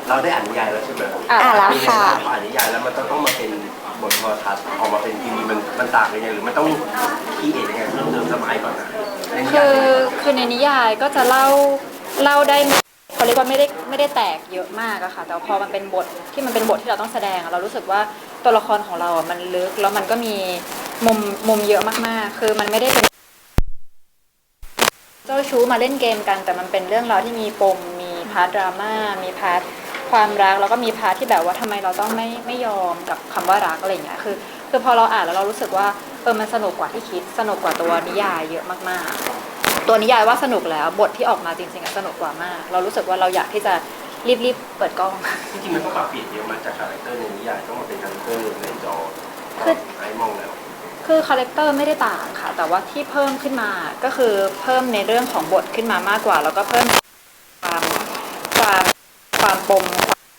เราได้อ่านนิยายแล้วใช่ไหมแล้วค่ะพออ่านนิยายแล้วมันต้องมาเป็นบทโทรทัศน์ออกมาเป็นทีวีมันต่างกันยังไงหรือมันต้องคีเอทยังไงเพิ่มเติมสมัยก่อนนะคือในนิยายก็จะเล่าได้เขาเรียกว่าไม่ได้แตกเยอะมากอะค่ะแต่พอมันเป็นบทที่มันเป็นบทที่เราต้องแสดงเรารู้สึกว่าตัวละครของเราอะมันลึกแล้วมันก็มีมุมเยอะมากๆคือมันไม่ได้เป็นเจ้าชู้มาเล่นเกมกันแต่มันเป็นเรื่องราวที่มีปมมีพาร์ทดราม่ามีพาร์ทความรักแล้วก็มีพาร์ทที่แบบว่าทำไมเราต้องไม่ยอมกับคำว่ารักอะไรอย่างเงี้ยคือพอเราอ่านแล้วเรารู้สึกว่ามันสนุกกว่าที่คิดสนุกกว่าตัวนิยายเยอะมากๆตัวนิยายว่าสนุกแล้วบทที่ออกมาจริงๆสนุกกว่ามากเรารู้สึกว่าเราอยากที่จะรีบเปิดกล้องจริงๆมันก็ปรับเปลี่ยนเยอะมาจากคาแรคเตอร์ในนิยายต้องมาเป็นคาแรคเตอร์ในจอไอ้มองแล้วคือคาแรคเตอร์ไม่ได้ต่างค่ะแต่ว่าที่เพิ่มขึ้นมาก็คือเพิ่มในเรื่องของบทขึ้นมามากกว่าแล้วก็เพิ่มความความปม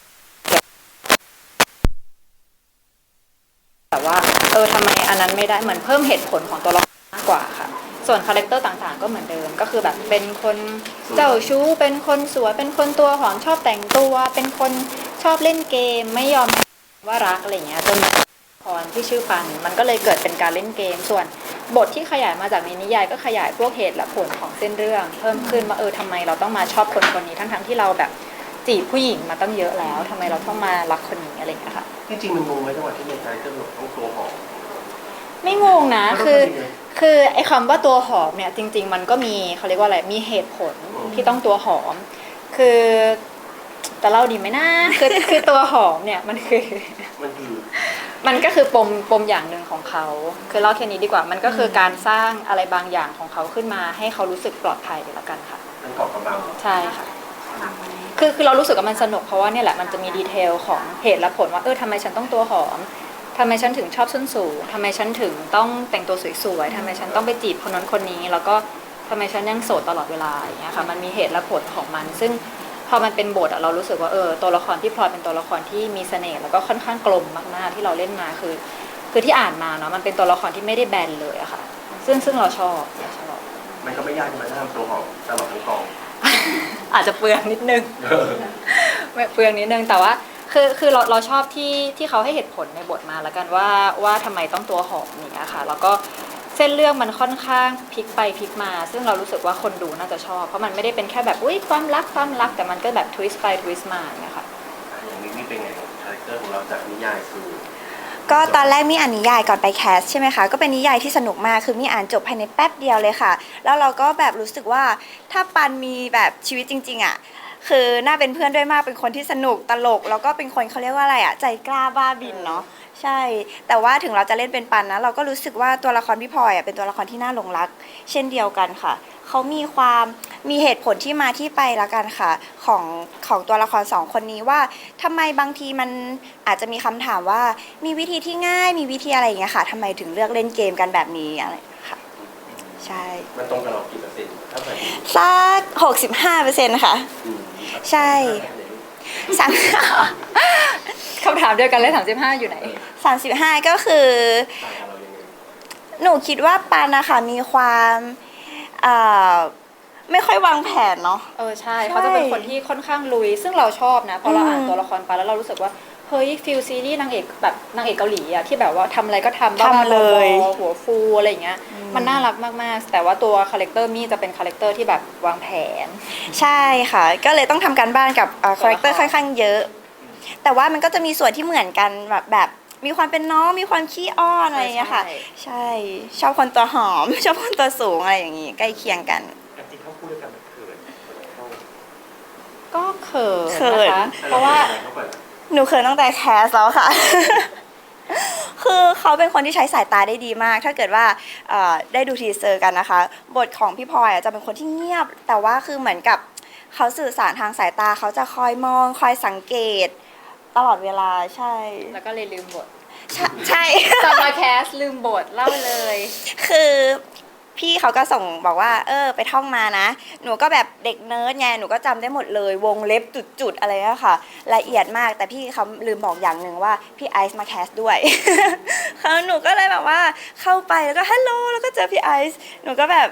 แต่ว่าทำไมอันนั้นไม่ได้เหมือนเพิ่มเหตุผลของตัวละครมากกว่าค่ะส่วนคาแรคเตอร์ต่างๆก็เหมือนเดิมก็คือแบบเป็นคนเจ้าชู้เป็นคนสวยเป็นคนตัวหอมชอบแต่งตัวเป็นคนชอบเล่นเกมไม่ยอมว่ารักอะไรเงี้ยจนพรที่ชื่อปันมันก็เลยเกิดเป็นการเล่นเกมส่วนบทที่ขยายมาจากในนิยายก็ขยายพวกเหตุและผลของเส้นเรื่องเพิ่มขึ้นว่าทำไมเราต้องมาชอบคนนี้ทั้งที่เราแบบจีบผู้หญิงมาตั้งเยอะแล้วทำไมเราต้องมารักคนนี้อะไรอย่างเงี้ยค่ะจริงๆมันงงไหมจังหวะที่ในคาแรคเตอร์ต้องตัวหอมไม่งงนะคือไอ้คำว่าตัวหอมเนี่ยจริงๆมันก็มีเขาเรียกว่าอะไรมีเหตุผลที่ต้องตัวหอมคือจะเล่าดีไหมนะคือตัวหอมเนี่ยมันก็คือปมอย่างหนึ่งของเขาคือเล่าแค่นี้ดีกว่ามันก็คือการสร้างอะไรบางอย่างของเขาขึ้นมาให้เขารู้สึกปลอดภัยละกันค่ะมันเกาะกำบังใช่ค่ะคือเรารู้สึกว่ามันสนุกเพราะว่าเนี่ยแหละมันจะมีดีเทลของเหตุและผลว่าทำไมฉันต้องตัวหอมทำไมฉันถึงชอบส้นสูงทำไมฉันถึงต้องแต่งตัวสวยๆทำไมฉันต้องไปจีบคนนั้นคนนี้แล้วก็ทำไมฉันยังโสดตลอดเวลาอย่างเงี้ยค่ะมันมีเหตุและผลของมันซึ่งพอมันเป็นบทเรารู้สึกว่าตัวละครที่พลอยเป็นตัวละครที่มีเสน่ห์แล้วก็ค่อนข้างกลมมากๆที่เราเล่นมาคือที่อ่านมาเนาะมันเป็นตัวละครที่ไม่ได้แบนเลยอะค่ะซึ่งเราชอบมันก็ไม่ยากที่จะทำตัวหอมตลอดทั้งกองอาจจะเปลืองนิดนึงเปลืองนิดนึงแต่ว่าคือเราชอบที่เขาให้เหตุผลในบทมาแล้วกันว่าทำไมต้องตัวหอมอย่างเงี้ยค่ะแล้วก็เส้นเรื่องมันค่อนข้างพลิกไปพลิกมาซึ่งเรารู้สึกว่าคนดูน่าจะชอบเพราะมันไม่ได้เป็นแค่แบบความรักแต่มันก็แบบทวิสต์ไปทวิสต์มาอย่างเงี้ยค่ะอย่างนี้นี่เป็นไงคาแรคเตอร์ของเราจากนิยายคือก็ตอนแรกมีอ่านนิยายก่อนไปแคสใช่ไหมคะก็เป็นนิยายที่สนุกมากคือมีอ่านจบภายในแป๊บเดียวเลยค่ะแล้วเราก็แบบรู้สึกว่าถ้าปันมีแบบชีวิตจริงๆอ่ะคือน่าเป็นเพื่อนด้วยมากเป็นคนที่สนุกตลกแล้วก็เป็นคนเขาเรียกว่าอะไรอ่ะใจกล้าบ้าบินเนาะใช่แต่ว่าถึงเราจะเล่นเป็นปันนะเราก็รู้สึกว่าตัวละครพี่พลอยอ่ะเป็นตัวละครที่น่าหลงรักเช่นเดียวกันค่ะเขามีเหตุผลที่มาที่ไปละกันค่ะของตัวละครสองคนนี้ว่าทำไมบางทีมันอาจจะมีคำถามว่ามีวิธีที่ง่ายมีวิธีอะไรอย่างเงี้ยค่ะทำไมถึงเลือกเล่นเกมกันแบบนี้อะไรค่ะใช่มันตรงกับเรากี่เปอร์เซ็นต์ถ้าแบบสัก65%ค่ะใช่สามคำถามเดียวกันเลย35อยู่ไหน 35ก็คือหนูคิดว่าปันนะคะมีความไม่ค่อยวางแผนเนาะใช่เขาจะเป็นคนที่ค่อนข้างลุยซึ่งเราชอบนะพอเราอ่านตัวละครไปแล้วเรารู้สึกว่าเฮ้ยฟิลซีรีส์นางเอกแบบนางเอกเกาหลีอะที่แบบว่าทำอะไรก็ทำบ้าๆเลยหัวฟูอะไรอย่างเงี้ยมันน่ารักมากๆแต่ว่าตัวคาแรคเตอร์มี่จะเป็นคาแรคเตอร์ที่แบบวางแผนใช่ค่ะก็เลยต้องทำการบ้านกับคาแรคเตอร์ค่อนข้างเยอะแต่ว่ามันก็จะมีส่วนที่เหมือนกันแบบมีความเป็นน้องมีความขี้อ้อนอะไรอย่างเงี้ยค่ะใช่ชอบคนตัวหอมชอบคนตัวสูงอะไรอย่างงี้ใกล้เคียงกันจริงเขาพูดด้วยกันก็เขินนะคะเพราะว่าหนูเขินตั้งแต่แคสแล้วค่ะ คือเขาเป็นคนที่ใช้สายตาได้ดีมากถ้าเกิดว่าได้ดูทีเซอร์กันนะคะบทของพี่พลอยจะเป็นคนที่เงียบแต่ว่าคือเหมือนกับเขาสื่อสารทางสายตาเขาจะคอยมองคอยสังเกตตลอดเวลาใช่แล้วก็เลยลืมบทใช่จะมาแคสลืมบทเล่าเลยคือพี่เขาก็ส่งบอกว่าไปท่องมานะหนูก็แบบเด็กเนิร์ดไงหนูก็จำได้หมดเลยวงเล็บจุดๆอะไรอะค่ะละเอียดมากแต่พี่เขาลืมบอกอย่างหนึ่งว่าพี่ไอซ์มาแคสด้วยหนูก็เลยแบบว่าเข้าไปแล้วก็ฮัลโหลแล้วก็เจอพี่ไอซ์หนูก็แบบ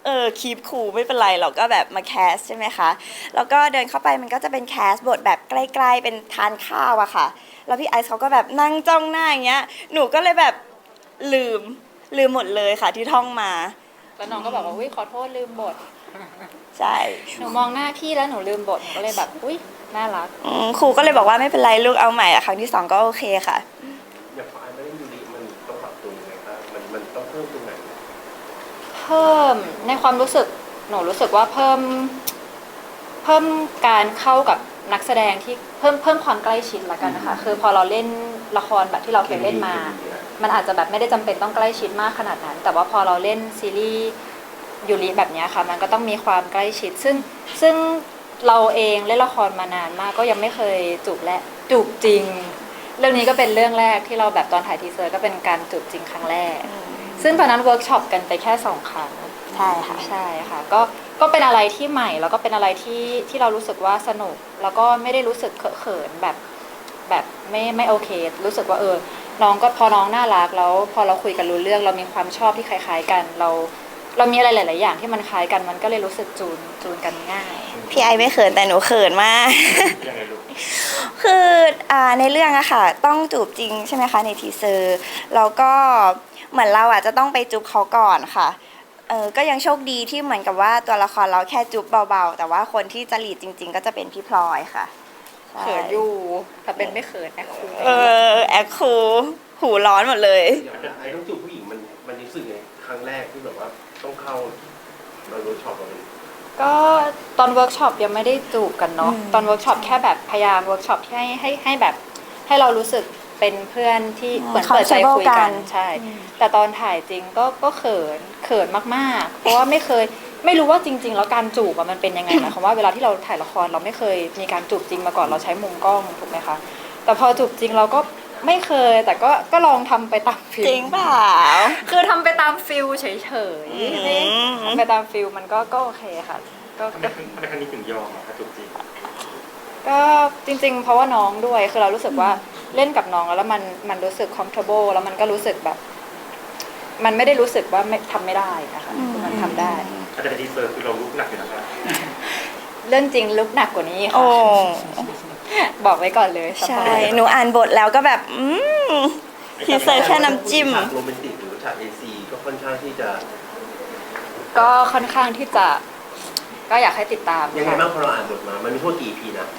คีปคูลไม่เป็นไรเราก็แบบมาแคสใช่ไหมคะแล้วก็เดินเข้าไปมันก็จะเป็นแคสบทแบบใกล้ๆเป็นทานข้าวอะค่ะแล้วพี่ไอซ์เขาก็แบบนั่งจ้องหน้าอย่างเงี้ยหนูก็เลยแบบลืมหมดเลยค่ะที่ท่องมาแล้วน้องก็บอกว่าอุ้ยขอโทษลืมบทใช่หนูมองหน้าพี่แล้วหนูลืมบทหนูก็เลยแบบอุ้ยน่ารักครูก็เลยบอกว่าไม่เป็นไรลูกเอาใหม่อะครั้งที่สองก็โอเคค่ะอย่างฝ่ายไม่ได้ยูริมันต้องปรับตัวยังไงบ้างมันต้องเพิ่มตรงไหนเพิ่มในความรู้สึกหนูรู้สึกว่าเพิ่มการเข้ากับนักแสดงที่เพิ่มความใกล้ชิดละกันนะคะคือพอเราเล่นละครแบบที่เราเคยเล่นมา มันอาจจะแบบไม่ได้จำเป็นต้องใกล้ชิดมากขนาดนั้น แต่ว่าพอเราเล่นซีรีส์ยูริแบบเนี้ยค่ะมันก็ต้องมีความใกล้ชิด ซึ่งเราเองเล่นละครมานานมากก็ยังไม่เคยจูบจริง เรื่องนี้ก็เป็นเรื่องแรกที่เราแบบตอนถ่ายทีเซอร์ก็เป็นการจูบจริงครั้งแรก ซึ่งตอนนั้นเวิร์กช็อปกันไปแค่2 ครั้งใช่ค่ะใช่ค่ะก็เป็นอะไรที่ใหม่แล้วก็เป็นอะไรที่เรารู้สึกว่าสนุก แล้วก็ไม่ได้รู้สึกเขินแบบไม่โอเค รู้สึกว่าน้องก็พอน้องน่ารักแล้วพอเราคุยกันรู้เรื่องเรามีความชอบที่คล้ายๆกันเรามีอะไรหลายๆอย่างที่มันคล้ายกันมันก็เลยรู้สึกจูนกันง่ายพี่ไอไม่เขินแต่หนูเขินมากยังไงลูกคือในเรื่องอะค่ะต้องจูบจริงใช่ไหมคะในทีเซอร์แล้วก็เหมือนเราอะจะต้องไปจูบเขาก่อนค่ะก็ยังโชคดีที่เหมือนกับว่าตัวละครเราแค่จูบเบาๆแต่ว่าคนที่จะลีดจริง ๆ ก็จะเป็นพี่พลอยค่ะใช่เขินอยู่แต่เป็นไม่เขินนะครูแอคคูลหูร้อนหมดเลยอย่างไอ้ต้องจูบผู้หญิงมันรู้สึกไงครั้งแรกที่แบบว่าต้องเข้าเราเวิร์กช็อปเราเลยก็ตอนเวิร์กช็อปยังไม่ได้จูบกันเนาะตอนเวิร์กช็อปแค่แบบพยายามเวิร์กช็อปที่ให้แบบให้เรารู้สึกเป็นเพื่อนที่เหมือนเปิดใจคุยกัน ใช่ แต่ตอนถ่ายจริงก็เขินมากๆ เพราะว่าไม่รู้ว่าจริง ๆ แล้วการจูบอะมันเป็นยังไงหมายความว่าเวลาที่เราถ่ายละครเราไม่เคยมีการจูบจริงมาก่อนเราใช้มุมกล้องถูกไหมคะแต่พอจูบจริงเราก็ไม่เคยแต่ก็ลองทำไปตามฟิลจริงเปล่าคือทำไปตามฟิลเฉยอืมๆทำไปตามฟิลมันก็โอเคค่ะก็ทำไมครั้งนี้ถึงยอมอ่ะจูบจริงก็จริงๆ เพราะว่าน้องด้วยคือเรารู้สึกว่าเล่นกับน้องแล้วมันรู้สึก comfortable แล้วมันก็รู้สึกแบบ มันไม่ได้รู้สึกว่าไม่ทำไม่ได้นะคะคือมันทำได้แต่ในทีเซอร์คือเราลุกหนักอยู่นะครับเรื่องจริงลุกหนักกว่านี้โอ้ค่ะบอกไว้ก่อนเลยสปใช่อยหนูอ่านบทแล้วก็แบบทีเซอร์แค่น้ำจิ้มฉากโรแมนติกหรือฉากเอซีก็ค่อนข้างที่จะก็ค่อนข้างที่จะก็อยากให้ติดตามยังไงค่ะบ้างพอเราอ่านบทมา มันมีพวกกี่ EP นะ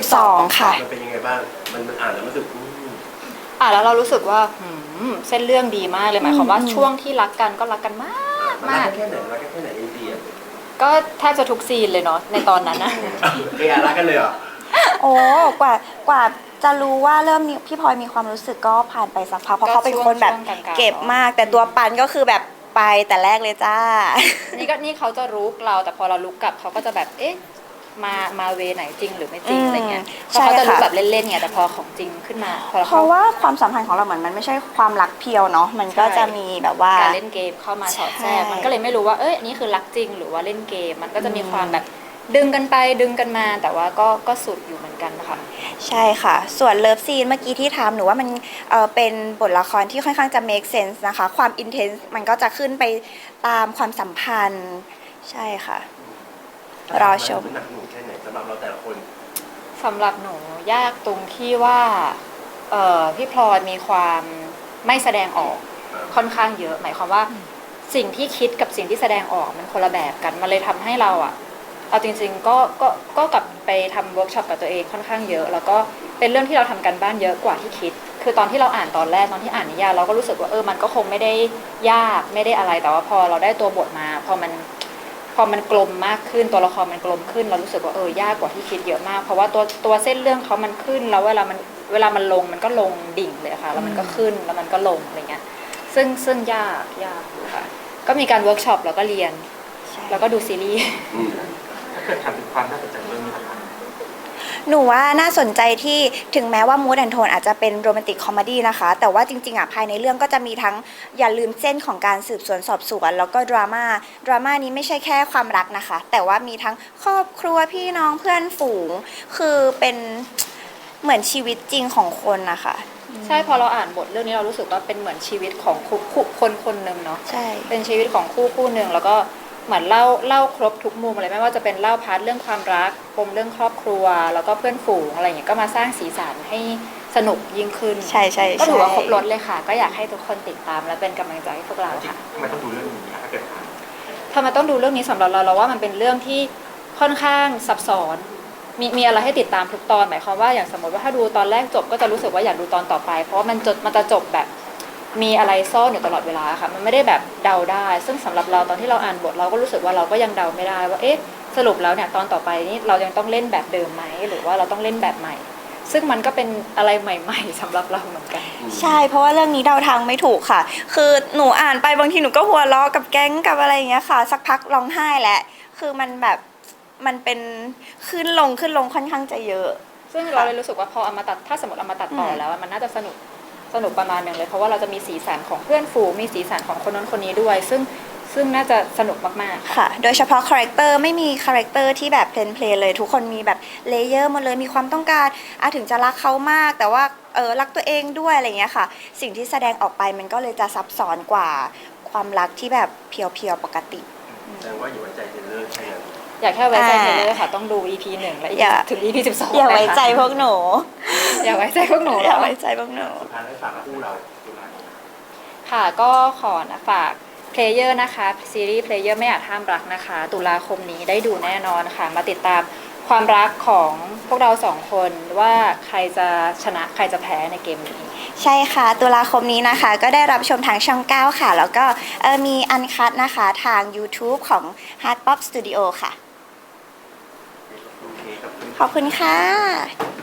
12 ค่ะมันเป็นยังไงบ้าง มันอ่านแล้วมันรู้สึกแล้วเรารู้สึกว่าเส้นเรื่องดีมากเลยหมายความว่าช่วงที่รักกันก็รักกันมากมันรักกันแค่ไหนรักกันแค่ไหนเอซีอ่ะก็แทบจะทุกซีนเลยเนาะในตอนนั้นนะรักกันเลยเหรอโอ้กว่าจะรู้ว่าเริ่มมีพี่พลอยมีความรู้สึกก็ผ่านไปสักพักเพราะเขาเป็นคนแบบช่วงกลางๆเก็บมาก แต่ตัวปันก็คือแบบไปแต่แรกเลยจ้านี่เขาจะรุกเราแต่พอเราลุกกลับเขาก็จะแบบเอ๊ะมาเวไหนจริงหรือไม่จริงอะไรเงี้ยเพราะเขาจะรู้แบบเล่นๆไงแต่พอของจริงขึ้นมาพอเพราะว่าความสัมพันธ์ของเราเหมือนมันไม่ใช่ความรักเพียวเนาะมันก็จะมีแบบว่าการเล่นเกมเข้ามาสอดแทรกใช่มันก็เลยไม่รู้ว่านี่คือรักจริงหรือว่าเล่นเกม มันก็จะมีความแบบดึงกันไปดึงกันมา แต่ว่าก็สุดอยู่เหมือนกันนะคะใช่ค่ะ ส่วนเลิฟซีนเมื่อกี้ที่ถามหนูว่ามันเป็นบทละครที่ค่อนข้างจะ make sense นะคะ ความ intense มันก็จะขึ้นไปตามความสัมพันธ์ ใช่ค่ะ รอชมมันหนักหน่วงแค่ไหนสำหรับเราแต่ละคนสำหรับหนูยากตรงที่ว่าพี่พลอยมีความไม่แสดงออกค่อนข้างเยอะ หมายความว่าสิ่งที่คิดกับสิ่งที่แสดงออกมันคนละแบบกันมันเลยทำให้เราเอาจริงๆก็กลับไปทำเวิร์กช็อปกับตัวเองค่อนข้างเยอะ แล้วก็เป็นเรื่องที่เราทำกันบ้านเยอะกว่าที่คิด คือตอนที่เราอ่านตอนแรกตอนที่อ่านนิยายเราก็รู้สึกว่ามันก็คงไม่ได้ยากไม่ได้อะไรแต่ว่าพอเราได้ตัวบทมาพอมันกลมมากขึ้นตัวละครมันกลมขึ้นเรารู้สึกว่ายากกว่าที่คิดเยอะมาก เพราะว่าตัวเส้นเรื่องเขามันขึ้นแล้วเวลามันลงมันก็ลงดิ่งเลยค่ะแล้วมันก็ขึ้นแล้วมันก็ลงอะไรเงี้ยซึ่งยากอยู่ค่ะก็มีการเวิร์กช็อปแล้วก็เรียนแล้วก็ดูซีรีส์ถ้าเกิดถามถึงความน่าสนใจเรื่องนี้นะครับหนูว่าน่าสนใจที่ถึงแม้ว่ามูดแอนโทนอาจจะเป็นโรแมนติกคอมเมดี้นะคะ แต่ว่าจริงๆภายในเรื่องก็จะมีทั้งอย่าลืมเส้นของการสืบสวนสอบสวนแล้วก็ดราม่านี้ไม่ใช่แค่ความรักนะคะ แต่ว่ามีทั้งครอบครัวพี่น้องเพื่อนฝูง คือเป็นเหมือนชีวิตจริงของคนนะคะใช่พอเราอ่านบทเรื่องนี้เรารู้สึกว่าเป็นเหมือนชีวิตของคนหนึ่งเนาะใช่เป็นชีวิตของคู่หนึ่งแล้วก็เหมือนเล่าครบทุกมุมเลยไม่ว่าจะเป็นเล่าพาร์ทเรื่องความรักปมเรื่องครอบครัว แล้วก็เพื่อนฝูงอะไรอย่างเงี้ยก็มาสร้างสีสันให้สนุกยิ่งขึ้นใช่ใช่ก็ถือว่าใช่ครบรถเลยค่ะ ก็อยากให้ทุกคนติดตามและเป็นกำลังใจให้พวกเราค่ะทำไมต้องดูเรื่องนี้ถ้าเกิดทำไมต้องดูเรื่องนี้สำหรับเราว่ามันเป็นเรื่องที่ค่อนข้างซับซ้อนมีอะไรให้ติดตามทุกตอนหมายความว่าอย่างสมมติว่าถ้าดูตอนแรกจบก็จะรู้สึกว่าอยากดูตอนต่อไป เพราะว่ามันจะจบแบบมีอะไรซ่อนอยู่ตลอดเวลาค่ะมันไม่ได้แบบเดาได้ ซึ่งสำหรับเราตอนที่เราอ่านบทเราก็รู้สึกว่าเราก็ยังเดาไม่ได้ว่าเอ๊ะสรุปแล้วเนี่ยตอนต่อไปนี้เรายังต้องเล่นแบบเดิมไหมหรือว่าเราต้องเล่นแบบใหม่ ซึ่งมันก็เป็นอะไรใหม่ ๆสำหรับเราเหมือนกันใช่เพราะว่าเรื่องนี้เดาทางไม่ถูกค่ะ คือหนูอ่านไปบางทีหนูก็หัวเราะกับแก๊งกับอะไรอย่างเงี้ยค่ะ สักพักร้องไห้แหละคือมันแบบมันเป็นขึ้นลงค่อนข้างจะเยอะซึ่งเราเลยรู้สึกว่าพอเอามาตัดถ้าสมมติเอามาตัดต่อแล้วมันน่าจะสนุกประมาณหนึ่งเลยเพราะว่าเราจะมีสีสันของเพื่อนฝูงมีสีสันของคนนั้นคนนี้ด้วย ซึ่งน่าจะสนุกมากๆค่ะค่ะ โดยเฉพาะคาแรคเตอร์ไม่มีคาแรคเตอร์ที่แบบเพลนเลยทุกคนมีแบบเลเยอร์หมดเลยมีความต้องการถึงจะรักเขามาก แต่ว่ารักตัวเองด้วยอะไรอย่างเงี้ยค่ะ สิ่งที่แสดงออกไปมันก็เลยจะซับซ้อนกว่าความรักที่แบบเพียวๆปกติแสดงว่าอย่าไว้ใจเทรลเลอร์แค่นั้นอยากแค่ไว้ใจเทเลอร์ค่ะต้องดู EP 1 และอย่าถึง EP 12 อย่าไว้ใจพวกหนูอย่าไว้ใจพวกหนูอย่าไว้ใจพวกหนูสุดท้ายแล้วฝากคู่เราตุลาคมค่ะก็ขอฝากเพลเยอร์นะคะซีรีส์เพลเยอร์ไม่อาจห้ามรักนะคะตุลาคมนี้ได้ดูแน่นอนค่ะมาติดตามความรักของพวกเราสองคนว่าใครจะชนะใครจะแพ้ในเกมนี้ใช่ค่ะตุลาคมนี้นะคะ ก็ได้รับชมทางช่อง 9 ค่ะ แล้วก็มีอันคัดนะคะทาง YouTube ของ Hard Pop Studio ค่ะโอเคขอบคุณขอบคุณค่ะ